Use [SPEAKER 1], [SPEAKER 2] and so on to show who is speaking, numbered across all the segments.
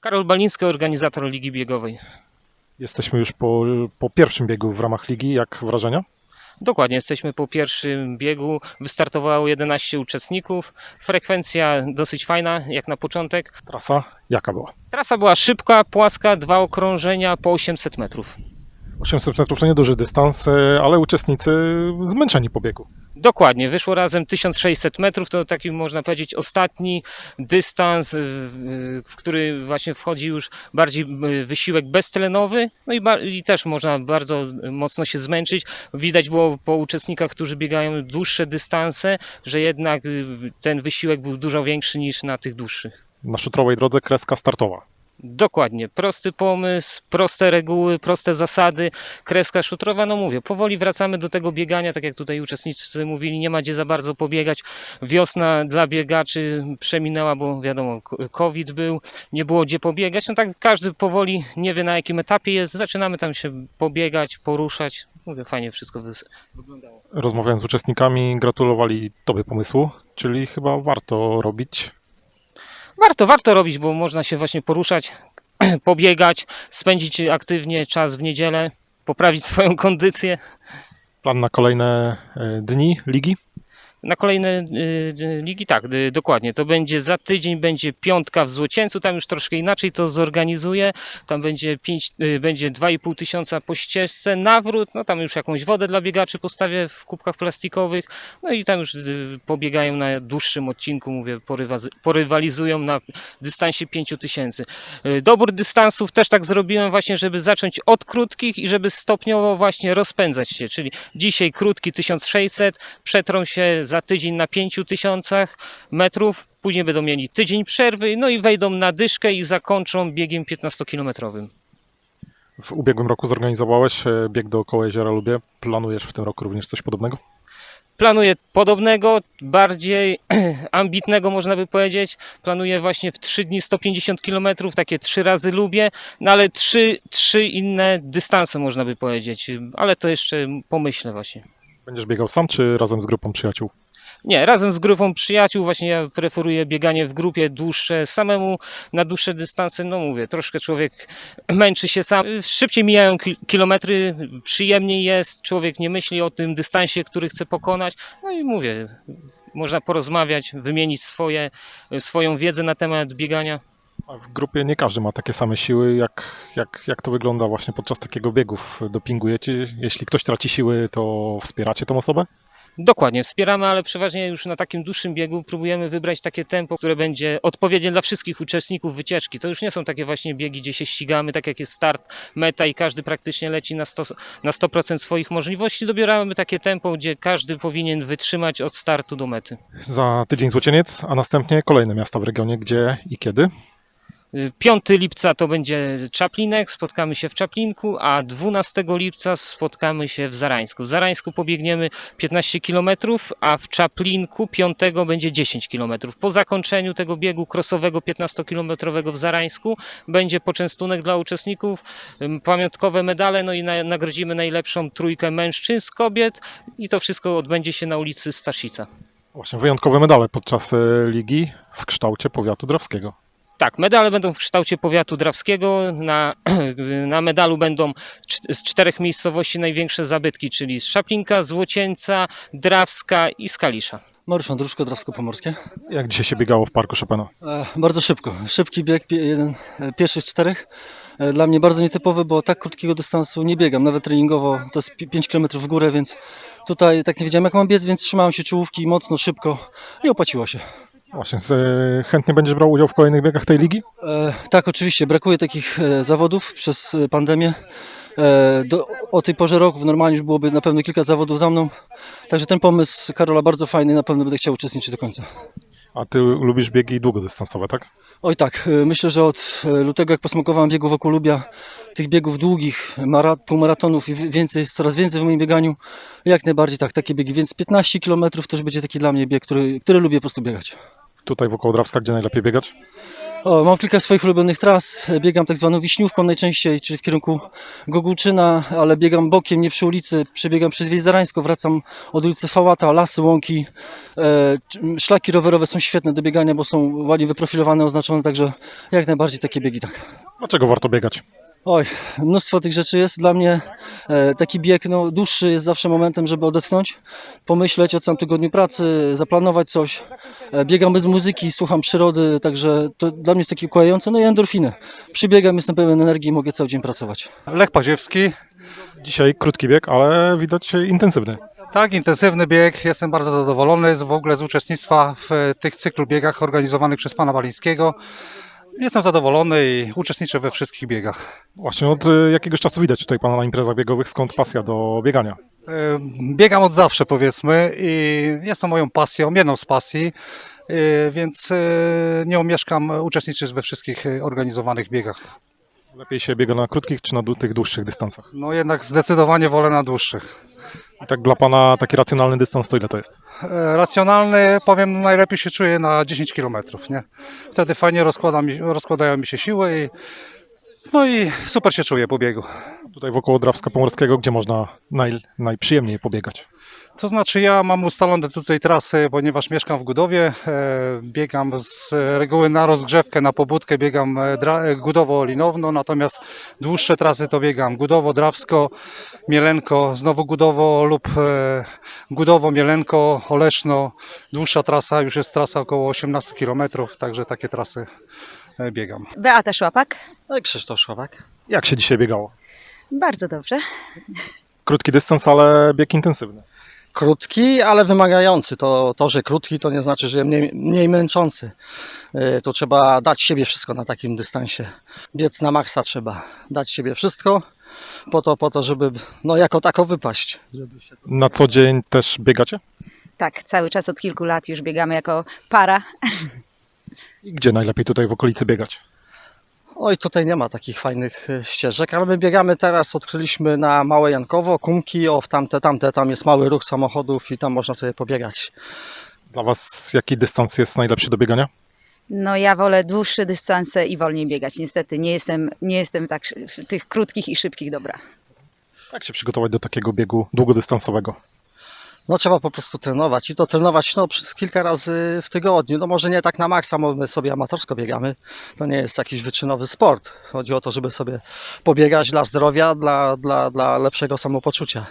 [SPEAKER 1] Karol Baliński, organizator Ligi Biegowej.
[SPEAKER 2] Jesteśmy już po pierwszym biegu w ramach ligi. Jak wrażenia?
[SPEAKER 1] Dokładnie, jesteśmy po pierwszym biegu. Wystartowało 11 uczestników. Frekwencja dosyć fajna, jak na początek.
[SPEAKER 2] Trasa jaka była?
[SPEAKER 1] Trasa była szybka, płaska, 2 okrążenia po 800 metrów.
[SPEAKER 2] 800 metrów to nieduży dystans, ale uczestnicy zmęczeni po biegu.
[SPEAKER 1] Dokładnie, wyszło razem 1600 metrów, to taki można powiedzieć ostatni dystans, w który właśnie wchodzi już bardziej wysiłek beztlenowy, no i też można bardzo mocno się zmęczyć. Widać było po uczestnikach, którzy biegają dłuższe dystanse, że jednak ten wysiłek był dużo większy niż na tych dłuższych.
[SPEAKER 2] Na szutrowej drodze kreska startowa.
[SPEAKER 1] Dokładnie, prosty pomysł, proste reguły, proste zasady, kreska szutrowa, no mówię, powoli wracamy do tego biegania, tak jak tutaj uczestnicy mówili, nie ma gdzie za bardzo pobiegać, wiosna dla biegaczy przeminęła, bo wiadomo, COVID był, nie było gdzie pobiegać, no tak każdy powoli nie wie na jakim etapie jest, zaczynamy tam się pobiegać, poruszać, mówię, fajnie wszystko wyglądało.
[SPEAKER 2] Rozmawiając z uczestnikami, gratulowali Tobie pomysłu, czyli chyba warto robić.
[SPEAKER 1] Warto robić, bo można się właśnie poruszać, pobiegać, spędzić aktywnie czas w niedzielę, poprawić swoją kondycję.
[SPEAKER 2] Plan na kolejne dni ligi?
[SPEAKER 1] Na kolejne ligi, tak, dokładnie. To będzie za tydzień, będzie piątka w Złocieńcu, tam już troszkę inaczej to zorganizuję. Tam będzie 2,5 tysiąca po ścieżce, nawrót, no tam już jakąś wodę dla biegaczy postawię w kubkach plastikowych, no i tam już pobiegają na dłuższym odcinku, mówię, porywalizują na dystansie 5 tysięcy. Dobór dystansów też tak zrobiłem właśnie, żeby zacząć od krótkich i żeby stopniowo właśnie rozpędzać się, czyli dzisiaj krótki 1600, przetrą się za tydzień na 5000 metrów, później będą mieli tydzień przerwy, no i wejdą na dyszkę i zakończą biegiem 15-kilometrowym.
[SPEAKER 2] W ubiegłym roku zorganizowałeś bieg dookoła Jeziora Lubie. Planujesz w tym roku również coś podobnego?
[SPEAKER 1] Planuję podobnego, bardziej ambitnego można by powiedzieć. Planuję właśnie w 3 dni 150 km, takie 3 razy lubię, no ale 3 inne dystanse można by powiedzieć, ale to jeszcze pomyślę właśnie.
[SPEAKER 2] Będziesz biegał sam, czy razem z grupą przyjaciół?
[SPEAKER 1] Nie, razem z grupą przyjaciół, właśnie ja preferuję bieganie w grupie dłuższe, samemu na dłuższe dystanse, no mówię, troszkę człowiek męczy się sam, szybciej mijają kilometry, przyjemniej jest, człowiek nie myśli o tym dystansie, który chce pokonać, no i mówię, można porozmawiać, wymienić swoją wiedzę na temat biegania.
[SPEAKER 2] A w grupie nie każdy ma takie same siły. Jak to wygląda właśnie podczas takiego biegu? Dopingujecie? Jeśli ktoś traci siły, to wspieracie tą osobę?
[SPEAKER 1] Dokładnie, wspieramy, ale przeważnie już na takim dłuższym biegu próbujemy wybrać takie tempo, które będzie odpowiednie dla wszystkich uczestników wycieczki. To już nie są takie właśnie biegi, gdzie się ścigamy, tak jak jest start, meta i każdy praktycznie leci na 100% swoich możliwości. Dobieramy takie tempo, gdzie każdy powinien wytrzymać od startu do mety.
[SPEAKER 2] Za tydzień Złocieniec, a następnie kolejne miasta w regionie. Gdzie i kiedy?
[SPEAKER 1] 5 lipca to będzie Czaplinek, spotkamy się w Czaplinku, a 12 lipca spotkamy się w Zarańsku. W Zarańsku pobiegniemy 15 km, a w Czaplinku 5 będzie 10 km. Po zakończeniu tego biegu krosowego 15-kilometrowego w Zarańsku będzie poczęstunek dla uczestników, pamiątkowe medale, no i nagrodzimy najlepszą trójkę mężczyzn, kobiet i to wszystko odbędzie się na ulicy Staszica.
[SPEAKER 2] Właśnie wyjątkowe medale podczas ligi w kształcie powiatu drawskiego.
[SPEAKER 1] Tak, medale będą w kształcie powiatu drawskiego. Na medalu będą z 4 miejscowości największe zabytki, czyli z Czaplinka, Złocieńca, Drawska i Skalisza.
[SPEAKER 3] Mariusz Andruszko, Drawsko-Pomorskie.
[SPEAKER 2] Jak dzisiaj się biegało w Parku Chopina?
[SPEAKER 3] Bardzo szybko. Szybki bieg, jeden pierwszych 4. Dla mnie bardzo nietypowy, bo tak krótkiego dystansu nie biegam. Nawet treningowo to jest 5 km w górę, więc tutaj tak nie wiedziałem jak mam biec, więc trzymałem się czołówki mocno, szybko i opłaciło się.
[SPEAKER 2] Właśnie, chętnie będziesz brał udział w kolejnych biegach tej ligi?
[SPEAKER 3] Tak, oczywiście. Brakuje takich zawodów przez pandemię. O tej porze roku normalnie już byłoby na pewno kilka zawodów za mną. Także ten pomysł Karola bardzo fajny, na pewno będę chciał uczestniczyć do końca.
[SPEAKER 2] A ty lubisz biegi długodystansowe, tak?
[SPEAKER 3] Oj tak, myślę, że od lutego jak posmakowałem biegu wokół Lubia, tych biegów długich, półmaratonów i więcej, jest coraz więcej w moim bieganiu, jak najbardziej tak, takie biegi, więc 15 km to już będzie taki dla mnie bieg, który lubię po prostu biegać.
[SPEAKER 2] Tutaj wokół Drawska, gdzie najlepiej biegać?
[SPEAKER 3] O, mam kilka swoich ulubionych tras. Biegam tak zwaną Wiśniówką najczęściej, czyli w kierunku Gogulczyna, ale biegam bokiem, nie przy ulicy. Przebiegam przez Wieś Zarańską, wracam od ulicy Fałata, lasy, łąki. Szlaki rowerowe są świetne do biegania, bo są ładnie wyprofilowane, oznaczone, także jak najbardziej takie biegi, tak.
[SPEAKER 2] Dlaczego warto biegać?
[SPEAKER 3] Oj, mnóstwo tych rzeczy jest. Dla mnie taki bieg dłuższy jest zawsze momentem, żeby odetchnąć, pomyśleć o całym tygodniu pracy, zaplanować coś. Biegam bez muzyki, słucham przyrody, także to dla mnie jest takie ukojające. No i endorfiny. Przybiegam, jestem pełen energii i mogę cały dzień pracować.
[SPEAKER 4] Lech Paziewski.
[SPEAKER 2] Dzisiaj krótki bieg, ale widać intensywny.
[SPEAKER 4] Tak, intensywny bieg. Jestem bardzo zadowolony w ogóle z uczestnictwa w tych cyklu biegach organizowanych przez pana Walińskiego. Jestem zadowolony i uczestniczę we wszystkich biegach.
[SPEAKER 2] Właśnie od jakiegoś czasu widać tutaj pana na imprezach biegowych, skąd pasja do biegania.
[SPEAKER 4] Biegam od zawsze, powiedzmy, i jest to moją pasją, jedną z pasji, więc nie omieszkam uczestniczyć we wszystkich organizowanych biegach.
[SPEAKER 2] Lepiej się biega na krótkich czy na tych dłuższych dystansach?
[SPEAKER 4] No jednak zdecydowanie wolę na dłuższych.
[SPEAKER 2] I tak dla pana taki racjonalny dystans to ile to jest?
[SPEAKER 4] Racjonalny, powiem, najlepiej się czuję na 10 km, nie? Wtedy fajnie rozkładają mi się siły no i super się czuję po biegu.
[SPEAKER 2] Tutaj wokół Drawska Pomorskiego, gdzie można najprzyjemniej pobiegać?
[SPEAKER 4] To znaczy ja mam ustalone tutaj trasy, ponieważ mieszkam w Gudowie, biegam z reguły na rozgrzewkę, na pobudkę biegam Gudowo-Linowno, natomiast dłuższe trasy to biegam Gudowo-Drawsko, Mielenko, znowu Gudowo lub Gudowo, Mielenko, Oleszno. Dłuższa trasa już jest trasa około 18 km, także takie trasy biegam.
[SPEAKER 5] Beata Szłapak.
[SPEAKER 3] Krzysztof Szławak.
[SPEAKER 2] Jak się dzisiaj biegało?
[SPEAKER 5] Bardzo dobrze.
[SPEAKER 2] Krótki dystans, ale bieg intensywny.
[SPEAKER 6] Krótki, ale wymagający. To, że krótki, to nie znaczy, że mniej męczący. To trzeba dać siebie wszystko na takim dystansie. Biec na maksa trzeba dać siebie wszystko po to, żeby jako tako wypaść.
[SPEAKER 2] Na co dzień też biegacie?
[SPEAKER 5] Tak, cały czas od kilku lat już biegamy jako para.
[SPEAKER 2] I gdzie najlepiej tutaj w okolicy biegać?
[SPEAKER 6] Oj, tutaj nie ma takich fajnych ścieżek, ale my biegamy teraz, odkryliśmy na Małe Jankowo, Kumki, w tamte, tam jest mały ruch samochodów i tam można sobie pobiegać.
[SPEAKER 2] Dla was jaki dystans jest najlepszy do biegania?
[SPEAKER 5] No ja wolę dłuższe dystanse i wolniej biegać. Niestety nie jestem tak w tych krótkich i szybkich dobra.
[SPEAKER 2] Jak się przygotować do takiego biegu długodystansowego?
[SPEAKER 6] Trzeba po prostu trenować i to trenować przez kilka razy w tygodniu. Może nie tak na maksa, bo my sobie amatorsko biegamy. To nie jest jakiś wyczynowy sport. Chodzi o to, żeby sobie pobiegać dla zdrowia, dla lepszego samopoczucia.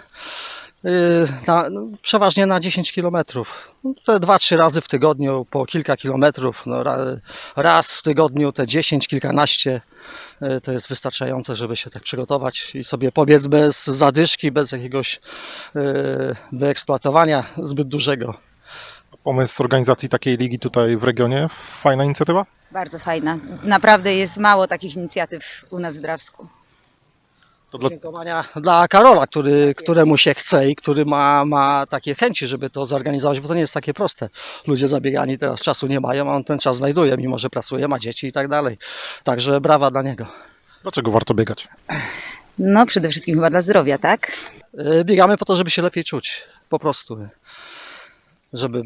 [SPEAKER 6] Przeważnie na 10 km. Te 2-3 razy w tygodniu, po kilka kilometrów. Raz w tygodniu te 10, kilkanaście to jest wystarczające, żeby się tak przygotować i sobie pobiec bez zadyszki, bez jakiegoś wyeksploatowania zbyt dużego.
[SPEAKER 2] Pomysł organizacji takiej ligi tutaj w regionie, fajna inicjatywa?
[SPEAKER 5] Bardzo fajna. Naprawdę jest mało takich inicjatyw u nas w Drawsku.
[SPEAKER 6] Dziękowania dla Karola, któremu się chce i który ma takie chęci, żeby to zorganizować, bo to nie jest takie proste. Ludzie zabiegani teraz czasu nie mają, a on ten czas znajduje, mimo że pracuje, ma dzieci i tak dalej. Także brawa dla niego.
[SPEAKER 2] Dlaczego warto biegać?
[SPEAKER 5] No przede wszystkim chyba dla zdrowia, tak?
[SPEAKER 6] Biegamy po to, żeby się lepiej czuć, po prostu. Żeby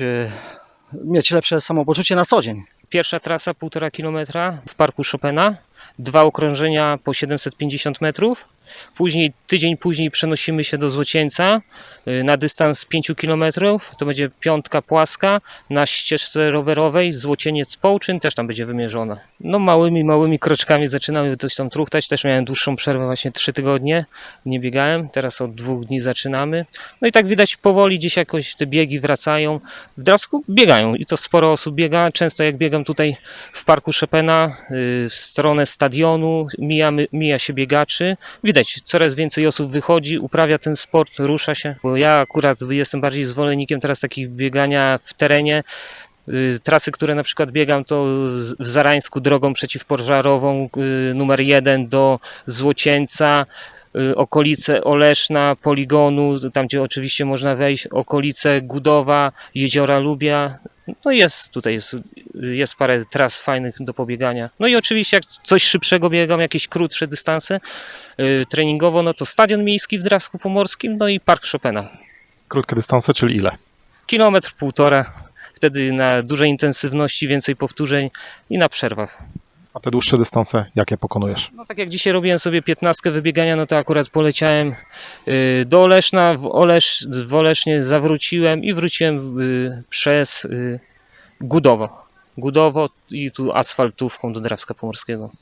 [SPEAKER 6] mieć lepsze samopoczucie na co dzień.
[SPEAKER 1] Pierwsza trasa 1,5 kilometra w parku Chopina, 2 okrążenia po 750 metrów. Tydzień później przenosimy się do Złocieńca na dystans 5 km. To będzie piątka płaska na ścieżce rowerowej Złocieniec-Połczyn, też tam będzie wymierzona. No małymi kroczkami zaczynamy coś tam truchtać. Też miałem dłuższą przerwę, właśnie 3 tygodnie nie biegałem. Teraz od 2 dni zaczynamy. No i tak widać powoli gdzieś jakoś te biegi wracają. W Drawsku biegają i to sporo osób biega. Często jak biegam tutaj w parku Chopina w stronę stadionu, mija się biegaczy. Widać, coraz więcej osób wychodzi, uprawia ten sport, rusza się. Bo ja akurat jestem bardziej zwolennikiem teraz takich biegania w terenie. Trasy, które na przykład biegam, to w Zarańsku drogą przeciwpożarową numer 1 do Złocieńca, okolice Oleszna, poligonu, tam gdzie oczywiście można wejść, okolice Gudowa, Jeziora Lubia. No jest parę tras fajnych do pobiegania. No i oczywiście jak coś szybszego biegam, jakieś krótsze dystanse treningowo, no to Stadion Miejski w Drawsku Pomorskim, no i Park Chopina.
[SPEAKER 2] Krótkie dystanse, czyli ile?
[SPEAKER 1] 1,5 km, wtedy na dużej intensywności, więcej powtórzeń i na przerwach.
[SPEAKER 2] A te dłuższe dystanse, jakie pokonujesz?
[SPEAKER 1] No tak jak dzisiaj robiłem sobie 15 wybiegania, no to akurat poleciałem do Oleszna, w Olesznie zawróciłem i wróciłem przez Gudowo i tu asfaltówką do Drawska Pomorskiego.